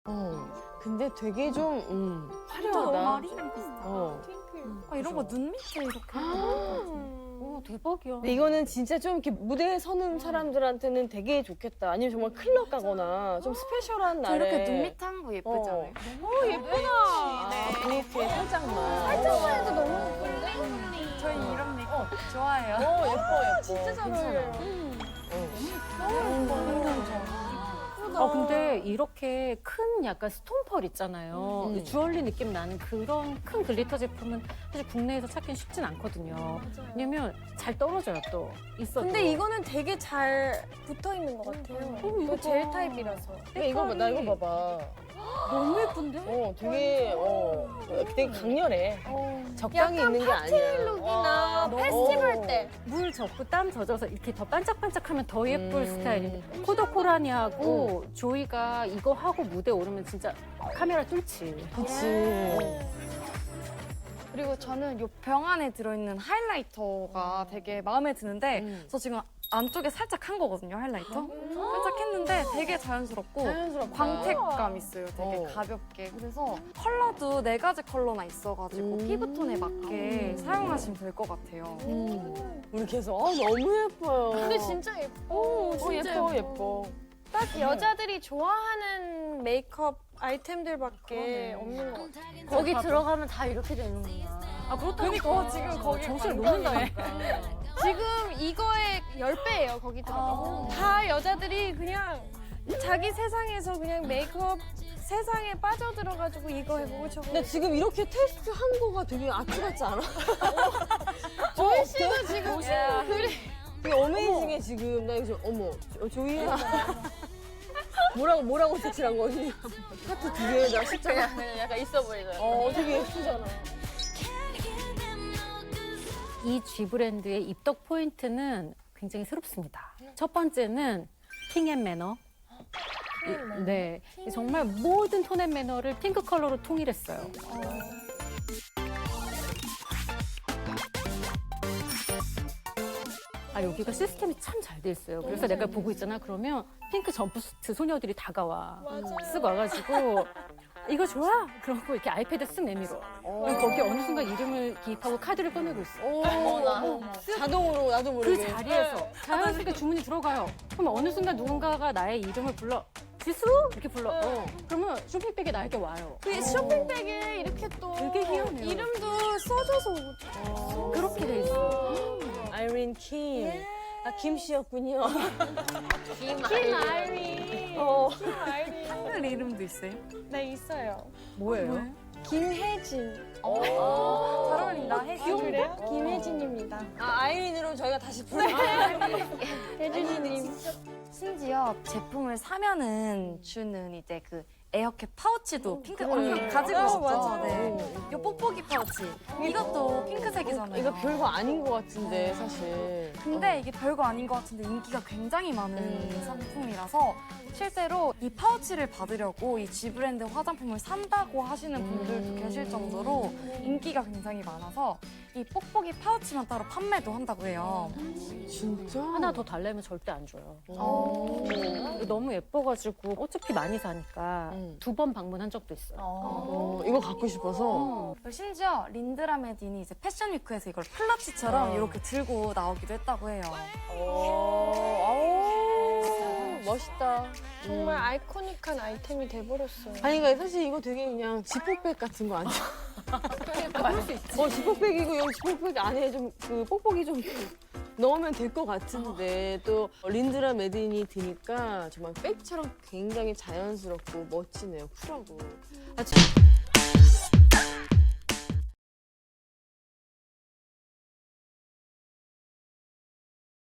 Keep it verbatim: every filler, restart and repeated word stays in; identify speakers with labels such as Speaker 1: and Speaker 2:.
Speaker 1: 어. 근데 되게 좀 음, 화려하다.
Speaker 2: 마리랑 비슷해.
Speaker 1: 어.
Speaker 2: 아, 이런 거 눈 밑에 이렇게.
Speaker 3: 오, 대박이야.
Speaker 1: 근데 이거는 진짜 좀 이렇게 무대에 서는 사람들한테는 되게 좋겠다. 아니면 정말 클럽 가거나 좀 스페셜한
Speaker 2: 저
Speaker 1: 날에.
Speaker 2: 이렇게 눈 밑에 한 거 예쁘지
Speaker 1: 어.
Speaker 2: 않아요?
Speaker 4: 오 예쁘다.
Speaker 1: 아, 그렇게 살짝만.
Speaker 4: 살짝만 해도 너무 예쁜데?
Speaker 2: 저희 이런 메이크업 좋아해요.
Speaker 1: 어, 예뻐, 예뻐.
Speaker 4: 진짜 잘
Speaker 1: 괜찮아.
Speaker 4: 어울려요.
Speaker 3: 어, 근데 이렇게 큰 약간 스톤펄 있잖아요.
Speaker 1: 음.
Speaker 3: 주얼리 느낌 나는 그런 큰 글리터 제품은 사실 국내에서 찾기는 쉽진 않거든요. 왜냐면 잘 떨어져요, 또. 있어도.
Speaker 4: 근데 이거는 되게 잘 붙어 있는 것 같아요.
Speaker 3: 어,
Speaker 4: 이거 젤 타입이라서.
Speaker 1: 근데 이거 봐, 나 이거 봐봐.
Speaker 3: 너무 예쁜데?
Speaker 1: 어, 되게, 어, 되게 강렬해.
Speaker 4: 어.
Speaker 1: 적당히
Speaker 4: 약간
Speaker 1: 있는 게 아니야.
Speaker 4: 룩이나
Speaker 1: 어.
Speaker 4: 페스티벌 때.
Speaker 3: 물 젖고 땀 젖어서 이렇게 더 반짝반짝하면 더 예쁠
Speaker 1: 음.
Speaker 3: 스타일인데 코더코라니하고 조이가 이거 하고 무대 오르면 진짜 카메라 뚫지.
Speaker 1: 그치.
Speaker 2: 그리고 저는 이 병 안에 들어있는 하이라이터가 되게 마음에 드는데
Speaker 1: 음.
Speaker 2: 저 지금 안쪽에 살짝 한 거거든요, 하이라이터. 살짝 했는데 되게 자연스럽고
Speaker 1: 자연스럽다.
Speaker 2: 광택감 있어요, 되게
Speaker 1: 어.
Speaker 2: 가볍게. 그래서 컬러도 네 가지 컬러나 있어가지고
Speaker 1: 음.
Speaker 2: 피부톤에 맞게 사용하시면 될 것 같아요.
Speaker 1: 음. 우리 계속, 어, 너무 예뻐요.
Speaker 4: 근데 진짜 예뻐.
Speaker 1: 어,
Speaker 4: 진짜
Speaker 1: 예뻐, 예뻐.
Speaker 4: 딱 여자들이 좋아하는 메이크업 아이템들밖에 없는 것 같아.
Speaker 3: 거기 들어가면 다 이렇게 되는구나. 아,
Speaker 2: 그러니까 지금 거기
Speaker 3: 정신을
Speaker 2: 완전히
Speaker 3: 놓는다니까.
Speaker 4: 지금 이거의 십 배예요, 거기 들어가면. 다 여자들이 그냥 자기 세상에서 그냥 메이크업 세상에 빠져들어가지고 이거 해보고 저거.
Speaker 1: 근데 지금 이렇게 테스트 한 거가 되게 아트 같지 않아?
Speaker 4: 조이 씨도 지금 그래.
Speaker 1: 되게 어메이징해, 지금. 나 이거, 어머, 조- 조이야. 뭐라고, 뭐라고 색칠한 거니? 하트 두 개에다 십자가.
Speaker 4: 그냥 약간 있어 보이잖아.
Speaker 1: 어, 되게 예쁘잖아.
Speaker 3: 이 G 브랜드의 입덕 포인트는 굉장히 새롭습니다. 첫 번째는 핑앤매너. 이- 네, 정말 모든 톤앤매너를 핑크 컬러로 통일했어요. 아, 여기가 시스템이 참 잘 돼 있어요. 그래서 내가 보고 있잖아. 그러면 핑크 점프수트 소녀들이 다가와. 쓱 와가지고 이거 좋아? 그러고 이렇게 아이패드 쓱 내밀어. 그럼 거기 어느 순간 이름을 기입하고 카드를 꺼내고 있어.
Speaker 1: 오, 자동으로, 나도
Speaker 3: 그
Speaker 1: 모르게.
Speaker 3: 자리에서 자연스럽게 주문이 들어가요. 그럼 어느 순간 누군가가 나의 이름을 불러. 지수? 이렇게 불러. 어. 그러면 쇼핑백에 나에게 와요.
Speaker 4: 그 쇼핑백에 이렇게 또
Speaker 3: 되게 희한해요.
Speaker 4: 이름도 써줘서 오고.
Speaker 3: 그렇게 돼 있어.
Speaker 1: 아이린 킴. 아, 김 씨였군요.
Speaker 4: 김 아이린.
Speaker 1: 어.
Speaker 4: 김 아이린.
Speaker 2: 한글 이름도 있어요?
Speaker 4: 네, 있어요.
Speaker 3: 뭐예요?
Speaker 4: 김혜진.
Speaker 2: 잘 어울린다,
Speaker 4: 아,
Speaker 2: 혜진.
Speaker 4: 그래요? 김혜진입니다.
Speaker 1: 아, 아이린으로 저희가 다시 부르
Speaker 4: 혜진이님.
Speaker 2: 심지어 제품을 사면은 주는 이제 그 에어캡 파우치도 핑크 언니 가지고
Speaker 4: 어,
Speaker 2: 오셨죠?
Speaker 4: 맞아.
Speaker 2: 네. 이 뽁뽁이 파우치 이것도 핑크색이잖아요.
Speaker 1: 이거 별거 아닌 것 같은데, 사실.
Speaker 2: 근데 이게 별거 아닌 것 같은데 인기가 굉장히 많은
Speaker 1: 음.
Speaker 2: 상품이라서 실제로 이 파우치를 받으려고 이 G 브랜드 화장품을 산다고 하시는 분들도
Speaker 1: 음.
Speaker 2: 계실 정도로 인기가 굉장히 많아서 이 뽁뽁이 파우치만 따로 판매도 한다고 해요.
Speaker 1: 진짜?
Speaker 3: 하나 더 달래면 절대 안 줘요.
Speaker 1: 오.
Speaker 3: 너무 예뻐가지고 어차피 많이 사니까
Speaker 1: 음.
Speaker 3: 두 번 방문한 적도 있어요.
Speaker 1: 어, 이거 갖고 싶어서.
Speaker 2: 그리고 심지어 린드라 메딘이 이제 패션 위크에서 이걸 플라치처럼
Speaker 1: 어.
Speaker 2: 이렇게 들고 나오기도 했다고 해요.
Speaker 1: 오, 아우, 멋있다.
Speaker 4: 정말 아이코닉한 아이템이 돼버렸어요.
Speaker 1: 아니, 그러니까 사실 이거 되게 그냥 지퍼백 같은 거 아니야? 그럴 수 있지. 어, 지퍼백이고 여기 지퍼백 안에 좀 그 뽁뽁이 좀 넣으면 될 것 같은데 또 린드라 메딘이 드니까 정말 백처럼 굉장히 자연스럽고 멋지네요. 쿨하고. 아, 참.